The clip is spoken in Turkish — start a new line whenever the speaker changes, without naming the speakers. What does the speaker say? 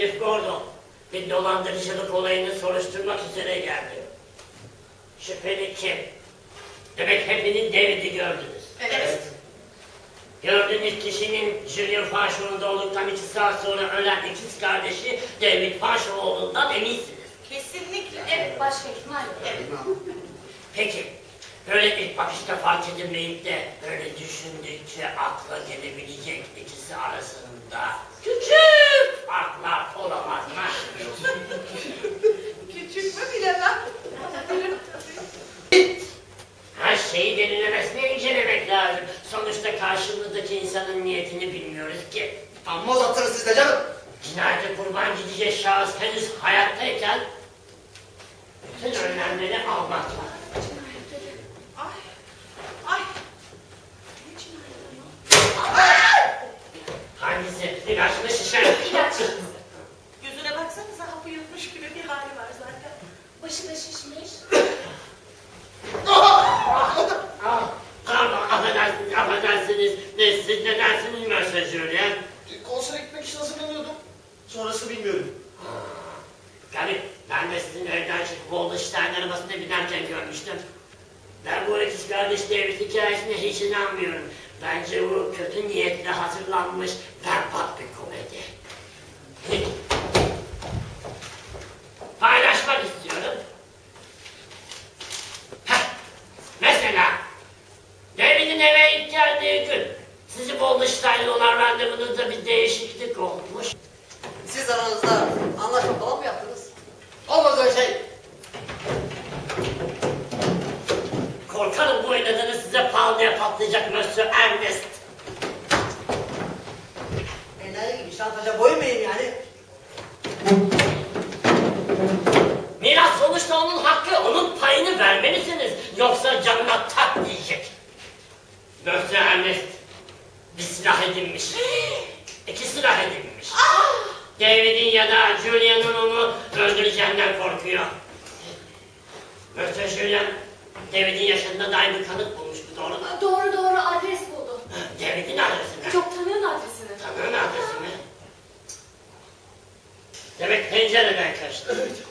Sheriff Gordon bir dolandırıcılık olayını soruşturmak üzere geldi. Şüpheli kim? Demek hepiniz David'i gördünüz.
Evet.
Gördüğünüz kişinin Julian Faşoğlu'nda olduktan 2 saat sonra ölen ikiz kardeşi David Faşoğlu olduğundan eminsiniz.
Kesinlikle.
Evet başhekim, hayır.
Evet.
Peki, böyle ilk bakışta fark edilmeyip de böyle düşündükçe akla gelebilecek ikisi arasında küçük farklar olamaz mı?
Küçük mü bilemem.
Her şeyi derinlemesine incelemek lazım. Sonuçta karşımızdaki insanın niyetini bilmiyoruz ki.
Amma uzattınız siz de canım.
Cinayete kurban gidecek şahıs henüz hayattayken bütün önlemleri almak lazım.
Ay. Ay. Ne cinayet ama?
Hangisi? İlaç mı şişer?
İlaç.
Yüzüne baksanıza hapı yutmuş gibi bir hali var zaten.
Başı da şişmiş.
Pardon, affedersiniz. Siz ne dersiniz Mösyö Julien?
Konsere gitmek için hazırlanıyordum. Sonrası bilmiyorum.
Tabii, ben de sizin evden çıkıp Waldenstein arabasına binerken görmüştüm. Ben bu ikiz kardeş David hikayesine hiç inanmıyorum. Bence bu kötü niyetle hazırlanmış berbat bir komedi. Paylaşmak istiyorum. Mesela, David'in eve ilk geldiği gün, sizi Waldenstein'le olan randevunuzda bir değişiklik olmuş.
Siz aranızda anlaşma falan mı yaptınız? Olmaz öyle şey.
Korkarım bu oynadığınız size pahalıya patlayacak Mösyö Ernest.
Enayi gibi şantaja boyun muyum yani?
Miras sonuçta onun hakkı, onun payını vermelisiniz. Yoksa canına tak diyecek. Mösyö Ernest bir silah edinmiş. 2 silah edinmiş. David'in ya da Julian'ın onu öldüreceğinden korkuyor. Mösyö Julien, David'in yaşında dair bir kanıt bulmuş, bu doğru mu?
Doğru adres buldu.
David'in adresi mi?
Çok tanıyorsun adresini.
Tanığın adresi mi? Demek pencereden kaçtı.
Evet.